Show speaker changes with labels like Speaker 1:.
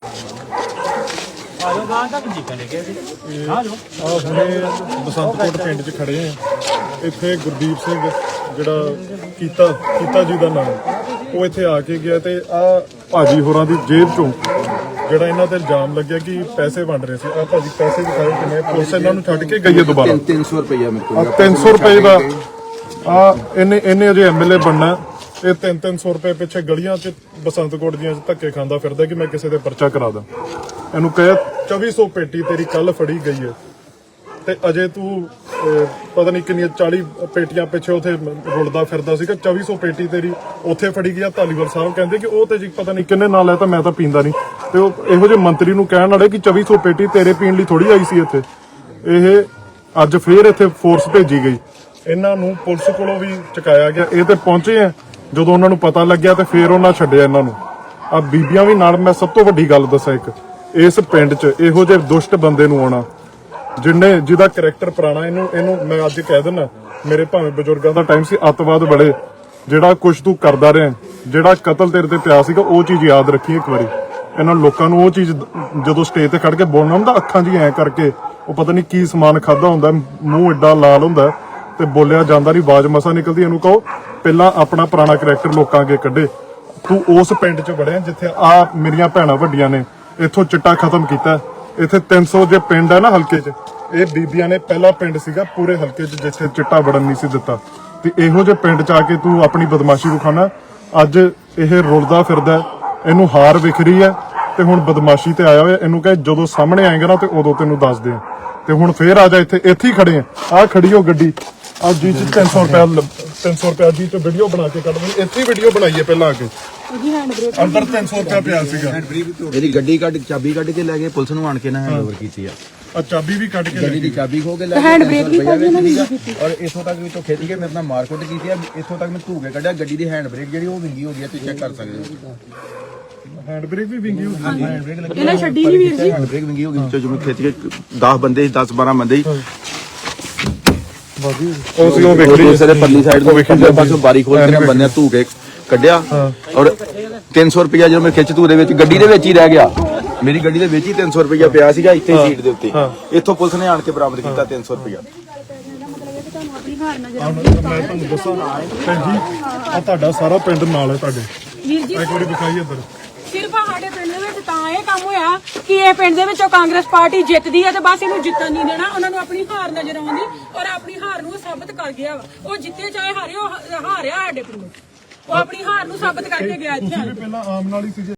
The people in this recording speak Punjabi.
Speaker 1: बसंतकोट पिंड च खड़े हैं। इत्थे गुरदीप सिंह जिहड़ा कीता जी का नाम वो इत्थे आके गया ते आ भाजी होरां दी जेब चों ਜਿਹੜਾ ਇਹਨਾਂ ਤੇ ਇਲਜ਼ਾਮ ਲੱਗਿਆ ਕਿ ਪੈਸੇ ਵੰਡ ਰਹੇ ਸੀ। ਆ ਭਾਜੀ ਪੈਸੇ ਦਿਖਾਏ ਕਿੰਨੇ ਪੁਲਿਸ ਇਹਨਾਂ ਨੂੰ ਛੱਡ ਕੇ ਗਈ ਹੈ ਦੁਬਾਰਾ
Speaker 2: 300 ਰੁਪਏ ਮੇਰੇ ਕੋਲ
Speaker 1: 300 ਰੁਪਏ ਦਾ ਆ ਇਹਨੇ ਅਜੇ ਐਮਐਲਏ ਬਣਨਾ ਇਹ 300 ਰੁਪਏ ਪਿੱਛੇ ਗਲੀਆਂ 'ਚ ਬਸੰਤਕੋਟ ਦੀਆਂ ਧੱਕੇ ਖਾਂਦਾ ਫਿਰਦਾ ਕਿ ਮੈਂ ਕਿਸੇ ਦੇ ਪਰਚਾ ਕਰਾ ਦਾਂ। ਇਹਨੂੰ ਕਹੇ 2400 ਪੇਟੀ ਤੇਰੀ ਕੱਲ ਫੜੀ ਗਈ ਹੈ ਤੇ ਅਜੇ ਤੂੰ ਪਤਾ ਨਹੀਂ ਕਿੰਨੀਆਂ 40 ਪੇਟੀਆਂ ਪਿੱਛੇ ਉਥੇ ਰੁਲਦਾ ਫਿਰਦਾ ਸੀਗਾ। 2400 ਪੇਟੀ ਤੇਰੀ ਉੱਥੇ ਫੜੀ ਗਿਆ। ਧਾਲੀਵਾਲ ਸਾਹਿਬ ਕਹਿੰਦੇ ਕਿ ਉਹ ਤੇ ਜੀ ਪਤਾ ਨਹੀਂ ਕਿੰਨੇ ਨਾਲ ਹੈ ਤਾਂ ਮੈਂ ਤਾਂ ਪੀਂਦਾ ਨਹੀਂ ਤੇ ਉਹ ਇਹੋ ਜਿਹੇ ਮੰਤਰੀ ਨੂੰ ਕਹਿਣ ਵਾਲੇ ਕਿ 2400 ਪੇਟੀ ਤੇਰੇ ਪੀਣ ਲਈ ਥੋੜੀ ਆਈ ਸੀ ਇੱਥੇ। ਇਹ ਅੱਜ ਫੇਰ ਇੱਥੇ ਫੋਰਸ ਭੇਜੀ ਗਈ। ਇਹਨਾਂ ਨੂੰ ਪੁਲਿਸ ਕੋਲੋਂ ਵੀ ਚੁਕਾਇਆ ਗਿਆ। ਇਹ ਤੇ ਪਹੁੰਚੇ ਆ ਜਦੋਂ ਉਹਨਾਂ ਨੂੰ ਪਤਾ ਲੱਗਿਆ ਤੇ ਫੇਰ ਉਹਨਾਂ ਛੱਡਿਆ ਇਹਨਾਂ ਨੂੰ। ਆ ਬੀਬੀਆਂ ਵੀ ਨਾਲ। ਮੈਂ ਸਭ ਤੋਂ ਵੱਡੀ ਗੱਲ ਦੱਸਾਂ ਇੱਕ ਇਸ ਪਿੰਡ 'ਚ ਇਹੋ ਜਿਹੇ ਦੁਸ਼ਟ ਬੰਦੇ ਨੂੰ ਆਉਣਾ ਜਿਹਦਾ ਕਰੈਕਟਰ ਪੁਰਾਣਾ ਇਹਨੂੰ ਮੈਂ ਅੱਜ ਕਹਿ ਦਿੰਦਾ ਮੇਰੇ ਭਾਵੇਂ ਬਜ਼ੁਰਗਾਂ ਦਾ ਟਾਈਮ ਸੀ ਅੱਤਵਾਦ ਬੜੇ ਜਿਹੜਾ ਕੁਛ ਤੂੰ ਕਰਦਾ ਰਿਹਾ ਜਿਹੜਾ ਕਤਲ ਤੇਰੇ ਤੇ ਪਿਆ ਸੀਗਾ ਉਹ ਚੀਜ਼ ਯਾਦ ਰੱਖੀ ਇੱਕ ਵਾਰੀ। ਇਹਨਾਂ ਲੋਕਾਂ ਨੂੰ ਉਹ ਚੀਜ਼ ਜਦੋਂ ਸਟੇਜ ਤੇ ਖੜ ਕੇ ਬੋਲਣਾ ਹੁੰਦਾ ਅੱਖਾਂ ਜੀ ਐ ਕਰਕੇ ਉਹ ਪਤਾ ਨਹੀਂ ਕੀ ਸਮਾਨ ਖਾਦਾ ਹੁੰਦਾ ਮੂੰਹ ਏਡਾ ਲਾਲ ਹੁੰਦਾ ਤੇ ਬੋਲਿਆ ਜਾਂਦਾ ਨਹੀਂ ਆਵਾਜ਼ ਮਸਾ ਨਿਕਲਦੀ। ਇਹਨੂੰ ਕਹੋ ਪਹਿਲਾਂ ਆਪਣਾ ਪੁਰਾਣਾ ਕਰੈਕਟਰ ਲੋਕਾਂ ਅੱਗੇ ਕੱਢੇ। ਤੂੰ ਉਸ ਪਿੰਡ 'ਚ ਵੜਿਆ ਜਿੱਥੇ ਆ ਮੇਰੀਆਂ ਭੈਣਾਂ ਵੱਡੀਆਂ ਨੇ ਇੱਥੋਂ ਚਿੱਟਾ ਖਤਮ ਕੀਤਾ। ਇੱਥੇ 300 ਜੇ ਪਿੰਡ ਹੈ ਨਾ ਹਲਕੇ 'ਚ ਇਹ ਬੀਬੀਆਂ ਨੇ ਪਹਿਲਾ ਪਿੰਡ ਸੀਗਾ ਪੂਰੇ ਹਲਕੇ 'ਚ ਜਿੱਥੇ ਚਿੱਟਾ ਵੜਨ ਨਹੀਂ ਸੀ ਦਿੱਤਾ ਤੇ ਇਹੋ ਜਿਹੇ ਪਿੰਡ 'ਚ ਆ ਕੇ ਤੂੰ ਆਪਣੀ ਬਦਮਾਸ਼ੀ ਵਿਖਾਉਣਾ। ਅੱਜ ਇਹ ਰੁਲਦਾ ਫਿਰਦਾ ਇਹਨੂੰ ਹਾਰ ਵਿਖ ਰਹੀ ਹੈ ਤੇ ਹੁਣ ਬਦਮਾਸ਼ੀ ਤੇ ਆਇਆ ਹੋਇਆ। ਇਹਨੂੰ ਕਹੇ ਜਦੋਂ ਸਾਹਮਣੇ ਆਏਗਾ ਨਾ ਤੇ ਉਦੋਂ ਤੈਨੂੰ ਦੱਸ ਦੇ ਤੇ ਹੁਣ ਫੇਰ ਆ ਜਾ ਇੱਥੇ ਹੀ ਖੜੇ ਆ ਖੜੀ ਹੋ ਗੱਡੀ ਆ ਜੀ 300 ਰੁਪਏ ਜੀ ਤੇ ਵੀਡੀਓ ਬਣਾ ਕੇ ਕੱਢ ਲਈ। ਇੱਥੇ ਵੀਡੀਓ ਬਣਾਈਏ ਪਹਿਲਾਂ ਆ ਕੇ ਅੰਦਰ 300 ਰੁਪਏ ਪਿਆ ਸੀਗਾ।
Speaker 2: ਇਹਦੀ ਗੱਡੀ ਕੱਢ ਚਾਬੀ ਕੱਢ ਕੇ ਲੈ ਗਏ ਪੁਲਿਸ ਨੂੰ ਆਣ ਕੇ ਨਾ ਹੈਂਡਓਵਰ ਕੀਤੀ ਆ।
Speaker 1: ਚਾਬੀ ਵੀ ਕੱਢ ਕੇ
Speaker 2: ਗੱਡੀ ਦੀ ਚਾਬੀ ਖੋ ਕੇ ਲੈ ਗਏ
Speaker 3: ਹੈਂਡ ਬ੍ਰੇਕ ਵੀ
Speaker 2: ਔਰ ਇਥੋਂ ਤੱਕ ਵੀ ਤੋਂ ਖਿੱਚ ਕੇ ਮੇਰੇ ਨਾਲ ਮਾਰਕੁੱਟ ਕੀਤੀ ਆ। ਇਥੋਂ ਤੱਕ ਮੈਂ ਧੂ ਕੇ ਕੱਢਿਆ। ਗੱਡੀ ਦੀ ਹੈਂਡ ਬ੍ਰੇਕ ਜਿਹੜੀ ਉਹ ਵਿੰਗੀ ਹੋ ਗਈ ਤੁਸੀਂ ਚੈੱਕ ਕਰ ਸਕਦੇ ਹੋ।
Speaker 1: ਹੈਂਡ ਬ੍ਰੇਕ ਵੀ ਵਿੰਗੀ ਹੋ ਗਈ।
Speaker 2: ਹੈਂਡ ਬ੍ਰੇਕ ਲੱਗੀ
Speaker 3: ਇਹਨਾਂ ਛੱਡੀ ਨਹੀਂ ਵੀਰ ਜੀ।
Speaker 2: ਹੈਂਡ ਬ੍ਰੇਕ ਵਿੰਗੀ ਹੋ ਗਈ ਵਿੱਚੋਂ ਜਿਵੇਂ ਖਿੱਚ ਕੇ 10 ਬੰਦੇ 10-12 ਬੰਦੇ ਹੀ
Speaker 1: ਉਹ ਸੀ ਉਹ ਵੇਖੀ
Speaker 2: ਦੂਸਰੇ ਪਰਲੀ ਸਾਈਡ ਤੋਂ ਵੇਖਿਆ ਪਾਸੋਂ ਬਾਰੀ ਖੋਲ ਕੇ ਬੰਦੇ ਧੂ ਕੇ ਕੱਢਿਆ ਔਰ 300 ਰੁਪਇਆ ਜਦੋਂ ਮੈਂ ਖਿੱਚ ਧੂ ਦੇ ਵਿੱਚ ਗੱਡੀ ਦੇ ਵਿੱਚ ਹੀ ਰਹਿ ਗਿਆ। ਮੇਰੀ ਗੱਡੀ ਦੇ ਵਿੱਚ ਹੀ 300 ਰੁਪਇਆ ਪਿਆ ਸੀਗਾ ਇੱਥੇ ਸੀਟ ਦੇ ਉੱਤੇ। ਇੱਥੋਂ ਪੁਲਿਸ ਨੇ ਆਣ ਕੇ ਬਰਾਮਦ ਕੀਤਾ 300 ਰੁਪਇਆ।
Speaker 1: ਮੈਂ ਤੁਹਾਨੂੰ ਦੱਸਾਂ ਭੈਣ ਜੀ ਆ ਤੁਹਾਡਾ ਸਾਰਾ ਪਿੰਡ ਨਾਲ ਹੈ ਤੁਹਾਡੇ।
Speaker 3: ਵੀਰ ਜੀ
Speaker 1: ਇੱਕ ਵਾਰੀ ਵਿਖਾਈ ਇੱਧਰ
Speaker 3: ਸਿਰਫ ਸਾਡੇ ਪਿੰਡ ਦੇ ਵਿੱਚ ਤਾਂ ਇਹ ਕੰਮ ਹੋਇਆ ਕਿ ਇਹ ਪਿੰਡ ਦੇ ਵਿੱਚੋਂ ਕਾਂਗਰਸ ਪਾਰਟੀ ਜਿੱਤਦੀ ਹੈ ਤੇ ਬਸ ਇਹਨੂੰ ਜਿੱਤਣ ਨਹੀਂ ਦੇਣਾ। ਉਹਨਾਂ ਨੂੰ ਆਪਣੀ ਹਾਰ ਨਜ਼ਰ ਆਉਂਦੀ ਔਰ ਆਪਣੀ ਹਾਰ ਨੂੰ ਸਾਬਤ ਕਰ ਗਿਆ ਵਾ। ਉਹ ਜਿੱਤੇ ਚਾਹੇ ਹਾਰੇ ਉਹ ਹਾਰਿਆ ਸਾਡੇ ਪਿੰਡ। ਉਹ ਆਪਣੀ ਹਾਰ ਨੂੰ ਸਾਬਤ ਕਰਕੇ ਗਿਆ ਇੱਥੇ।
Speaker 1: ਪਹਿਲਾਂ ਆਮ ਨਾਲ ਹੀ ਸੀ।